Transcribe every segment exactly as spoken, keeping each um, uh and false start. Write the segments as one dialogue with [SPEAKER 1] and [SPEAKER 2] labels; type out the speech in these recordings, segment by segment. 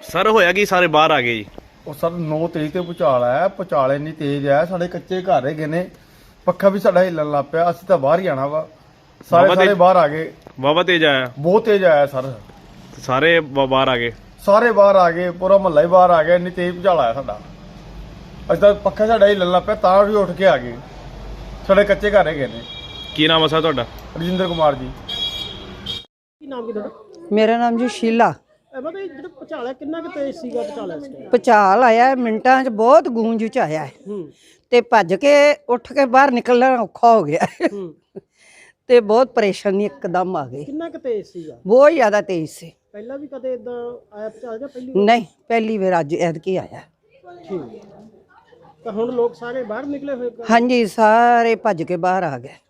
[SPEAKER 1] Sir होया कि सारे बाहर आ गए जी?
[SPEAKER 2] ਉਹ ਸਰ ਨੌ ਤੇਜ਼ ਤੇ ਭੁਚਾਲ ਆਇਆ। ਭੁਚਾਲ ਇੰਨੀ ਤੇਜ਼ ਆ, ਸਾਡੇ ਕੱਚੇ ਘਰ ਹੈਗੇ ਨੇ, ਪੱਖਾ ਵੀ ਸਾਡਾ ਹਿੱਲਣ ਲੱਗ ਪਿਆ। ਅਸੀਂ ਤਾਂ ਬਾਹਰ ਹੀ ਆਣਾ ਵਾ, ਸਾਰੇ
[SPEAKER 1] ਬਾਬਾ
[SPEAKER 2] ਸਾਰੇ
[SPEAKER 1] ਤੇਜ਼-
[SPEAKER 2] ਬਾਹਰ ਆ ਗਏ।
[SPEAKER 1] वाहवा तेज आया?
[SPEAKER 2] ਬਹੁਤ ਤੇਜ਼ ਆਇਆ ਸਰ,
[SPEAKER 1] सारे ब- बाहर आ गए?
[SPEAKER 2] ਸਾਰੇ ਬਾਹਰ ਆ ਗਏ, ਪੂਰਾ ਮਹੱਲਾ ਹੀ ਬਾਹਰ ਆ ਗਿਆ। ਇੰਨੀ ਤੇਜ਼ ਭੁਚਾਲ ਆਇਆ ਸਾਡਾ, ਅਸੀਂ ਤਾਂ ਪੱਖਾ ਸਾਡਾ ਹਿੱਲਣ ਲੱਗ ਪਿਆ, ਤਾਂ ਵੀ ਉੱਠ ਕੇ ਆ ਗਏ। ਸਾਡੇ ਕੱਚੇ ਘਰ ਹੈਗੇ ਨੇ।
[SPEAKER 1] की नाम है सर तुहाडा?
[SPEAKER 2] ਰਜਿੰਦਰ ਕੁਮਾਰ ਜੀ।
[SPEAKER 3] ਕੀ ਨਾਮ ਕੀ ਤੁਹਾਡਾ?
[SPEAKER 4] ਮੇਰਾ ਨਾਮ ਜੀ ਸ਼ੀਲਾ।
[SPEAKER 3] ਮਤਲਬ ਇਹ ਜਿਹੜਾ ਭੁਚਾਲ ਹੈ ਕਿੰਨਾ ਕੁ ਤੇਜ਼ ਸੀਗਾ ਭੁਚਾਲ ਇਸ ਟਾਈਮ?
[SPEAKER 4] ਭੁਚਾਲ ਆਇਆ ਮਿੰਟਾਂ 'ਚ, ਬਹੁਤ ਗੂੰਜ ਚ ਆਇਆ ਹੈ
[SPEAKER 3] ਹੂੰ
[SPEAKER 4] ਤੇ ਭੱਜ ਕੇ ਉੱਠ ਕੇ ਬਾਹਰ ਨਿਕਲਣਾ ਔਖਾ ਹੋ ਗਿਆ
[SPEAKER 3] ਹੂੰ
[SPEAKER 4] ਤੇ ਬਹੁਤ ਪਰੇਸ਼ਾਨੀ ਇੱਕਦਮ ਆ ਗਈ।
[SPEAKER 3] ਕਿੰਨਾ ਕੁ ਤੇਜ਼ ਸੀਗਾ?
[SPEAKER 4] ਬਹੁਤ ਜ਼ਿਆਦਾ ਤੇਜ਼ ਸੀ।
[SPEAKER 3] ਪਹਿਲਾਂ ਵੀ ਕਦੇ ਇਦਾਂ ਆਇਆ ਭੁਚਾਲ ਜਾਂ ਪਹਿਲੀ ਵਾਰ?
[SPEAKER 4] ਨਹੀਂ, ਪਹਿਲੀ ਵਾਰ ਅੱਜ ਐਤਕੀ ਆਇਆ।
[SPEAKER 3] ਠੀਕ ਤਾਂ ਹੁਣ ਲੋਕ ਸਾਰੇ ਬਾਹਰ ਨਿਕਲੇ ਹੋਏ ਕ-
[SPEAKER 4] ਹਾਂਜੀ, ਸਾਰੇ ਭੱਜ ਕੇ ਬਾਹਰ ਆ ਗਏ।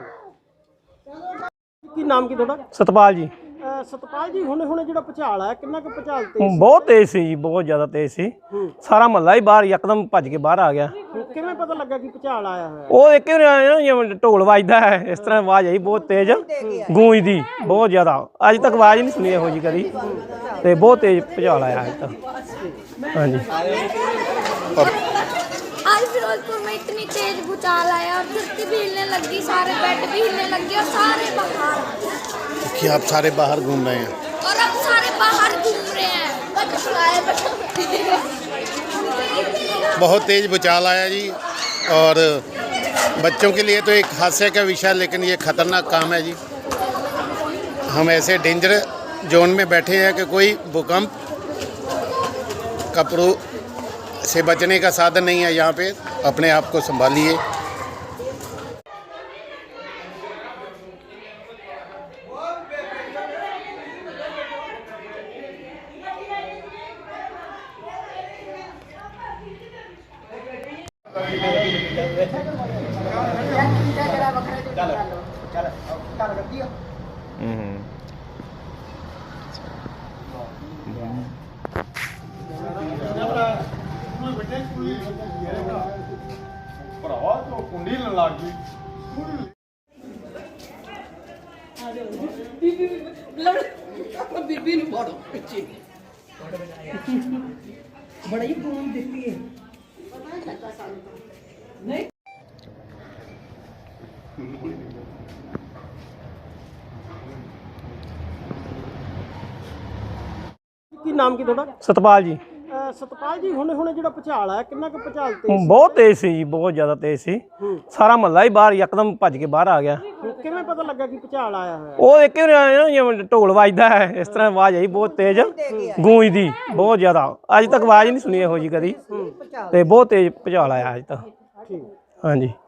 [SPEAKER 3] ਕੀ ਨਾਮ ਕੀ ਤੁਹਾਡਾ?
[SPEAKER 5] ਸਤਪਾਲ ਜੀ।
[SPEAKER 3] ਅਹ ਸਤਪਾਲ ਜੀ, ਹੁਣੇ ਹੁਣੇ ਜਿਹੜਾ ਭੁਚਾਲ ਆਇਆ ਕਿੰਨਾ ਕੁ ਭੁਚਾਲ ਤੇਜ਼?
[SPEAKER 5] ਬਹੁਤ ਤੇਜ਼ ਸੀ ਜੀ, ਬਹੁਤ ਜ਼ਿਆਦਾ ਤੇਜ਼ ਸੀ।
[SPEAKER 3] ਹੂੰ
[SPEAKER 5] ਸਾਰਾ ਮਹੱਲਾ ਹੀ ਬਾਹਰ ਯਕਦਮ ਭੱਜ ਕੇ ਬਾਹਰ ਆ ਗਿਆ।
[SPEAKER 3] ਹੁਣ ਕਿਵੇਂ ਪਤਾ ਲੱਗਾ ਕਿ ਭੁਚਾਲ ਆਇਆ ਹੋਇਆ?
[SPEAKER 5] ਉਹ ਇੱਕ ਵਾਰ ਆਇਆ ਨਾ, ਜਿਵੇਂ ਢੋਲ ਵੱਜਦਾ ਹੈ ਇਸ ਤਰ੍ਹਾਂ ਆਵਾਜ਼ ਆਈ ਬਹੁਤ ਤੇਜ਼ ਗੂੰਜਦੀ, ਬਹੁਤ ਜ਼ਿਆਦਾ। ਅੱਜ ਤੱਕ ਆਵਾਜ਼ ਨਹੀਂ ਸੁਣੀ ਇਹੋ ਜਿਹੀ ਕਦੀ, ਤੇ ਬਹੁਤ ਤੇਜ਼ ਭੁਚਾਲ ਆਇਆ ਅੱਜ ਤੱਕ। ਹਾਂਜੀ।
[SPEAKER 6] आज फिरोजपुर में इतनी तेज भूचाल आया और धरती भी हिलने लगी, सारे बेड भी हिलने लगे और सारे बाहर
[SPEAKER 7] कि आप सारे बाहर घूम रहे हैं
[SPEAKER 6] और अब सारे बाहर घूम रहे हैं।
[SPEAKER 7] बहुत तेज भूचाल आया जी, और बच्चों के लिए तो एक हादसे का विषय, लेकिन ये ख़तरनाक काम है जी। हम ऐसे डेंजर जोन में बैठे हैं कि कोई भूकंप कपड़ों से बचने का साधन नहीं है यहाँ पे। अपने आप को संभालिए।
[SPEAKER 1] हम्म
[SPEAKER 2] ਭਰਾਵਾ ਤੂੰ ਕੁੰਡੀ ਲੱਗ ਗਈ।
[SPEAKER 4] ਬੀਬੀ ਨੂੰ ਬੜੋ ਪਿੱਛੇ ਬੜੀ ਗੂੰਜ ਦਿੱਤੀ ਹੈ।
[SPEAKER 3] ਕੀ ਨਾਮ ਕੀ ਤੁਹਾਡਾ?
[SPEAKER 5] ਸਤਪਾਲ ਜੀ।
[SPEAKER 3] ਅਹ ਸਤਪਾਲ ਜੀ, ਹੁਣੇ ਹੁਣੇ ਜਿਹੜਾ ਭੁਚਾਲ ਆਇਆ ਕਿੰਨਾ ਕੁ ਭੁਚਾਲ ਤੇਜ਼?
[SPEAKER 5] ਬਹੁਤ ਤੇਜ਼ ਸੀ ਜੀ, ਬਹੁਤ ਜ਼ਿਆਦਾ ਤੇਜ਼ ਸੀ।
[SPEAKER 3] ਹੂੰ
[SPEAKER 5] ਸਾਰਾ ਮਹੱਲਾ ਹੀ ਬਾਹਰ ਯਕਦਮ ਭੱਜ ਕੇ ਬਾਹਰ ਆ ਗਿਆ।
[SPEAKER 3] ਹੁਣ ਕਿਵੇਂ ਪਤਾ ਲੱਗਾ ਕਿ ਭੁਚਾਲ ਆਇਆ ਹੋਇਆ?
[SPEAKER 5] ਉਹ ਇੱਕ ਵਾਰ ਆਇਆ ਨਾ, ਜਿਵੇਂ ਢੋਲ ਵੱਜਦਾ ਹੈ ਇਸ ਤਰ੍ਹਾਂ ਆਵਾਜ਼ ਆਈ ਬਹੁਤ ਤੇਜ਼ ਗੂੰਜਦੀ, ਬਹੁਤ ਜ਼ਿਆਦਾ। ਅੱਜ ਤੱਕ ਆਵਾਜ਼ ਨਹੀਂ ਸੁਣੀ ਇਹੋ ਜਿਹੀ ਕਦੀ, ਤੇ ਬਹੁਤ ਤੇਜ਼ ਭੁਚਾਲ ਆਇਆ ਅੱਜ ਤੱਕ।
[SPEAKER 3] ਠੀਕ।
[SPEAKER 5] ਹਾਂਜੀ।